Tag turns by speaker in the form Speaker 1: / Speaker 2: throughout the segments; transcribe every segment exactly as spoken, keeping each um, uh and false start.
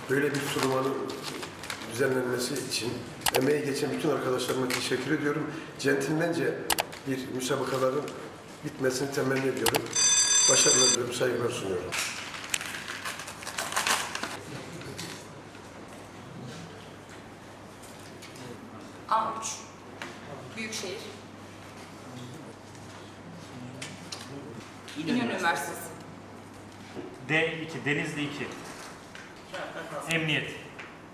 Speaker 1: böyle bir sunumanın düzenlenmesi için emeği geçen bütün arkadaşlarıma teşekkür ediyorum. Centilmence bir müsabakaların bitmesini temenni ediyorum. Başarılar diliyorum, saygılar sunuyorum.
Speaker 2: A üç Büyükşehir İnönü Üniversitesi.
Speaker 3: D iki Denizli iki Emniyet.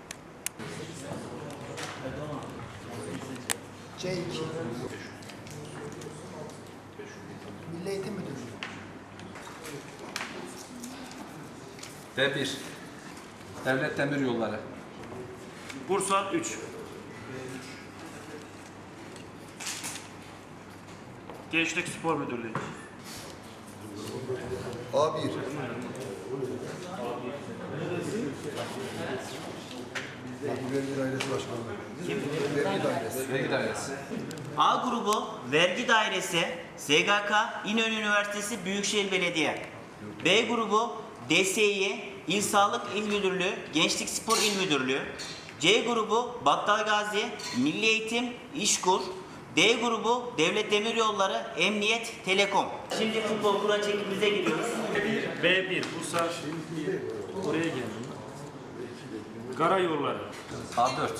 Speaker 4: C iki Milli Eğitim Müdürlüğü.
Speaker 5: D bir Devlet Demiryolları.
Speaker 3: Bursa üç Gençlik Spor Müdürlüğü.
Speaker 1: A bir Vergi Dairesi Başkanlığı. Vergi Dairesi.
Speaker 5: Vergi Dairesi.
Speaker 6: A grubu Vergi Dairesi, S G K, İnönü Üniversitesi Büyükşehir Belediye. B grubu D S İ, İl Sağlık İl Müdürlüğü, Gençlik Spor İl Müdürlüğü. C grubu Battalgazi, Milli Eğitim, İşkur. D grubu Devlet Demiryolları, Emniyet, Telekom. Şimdi futbol kura çekimize giriyoruz.
Speaker 3: B bir Bursa oraya geldim. Karayolları.
Speaker 5: A dört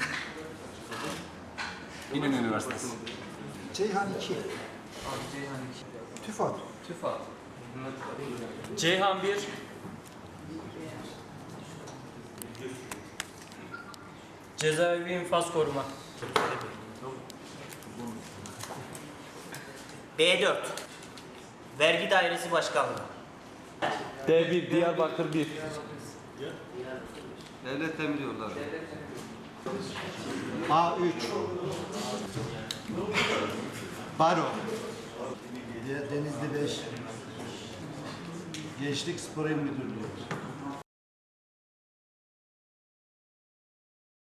Speaker 5: İnönü Üniversitesi.
Speaker 4: Ceyhan iki TÜFAD.
Speaker 5: TÜFAD.
Speaker 3: Ceyhan bir Cezaevi İnfaz Koruma.
Speaker 6: B dört Vergi Dairesi Başkanlığı.
Speaker 7: D bir Diyarbakır bir
Speaker 5: Devlet Demiryolları.
Speaker 4: A üç Baro. Denizli beş Gençlik Spor İl Müdürlüğü.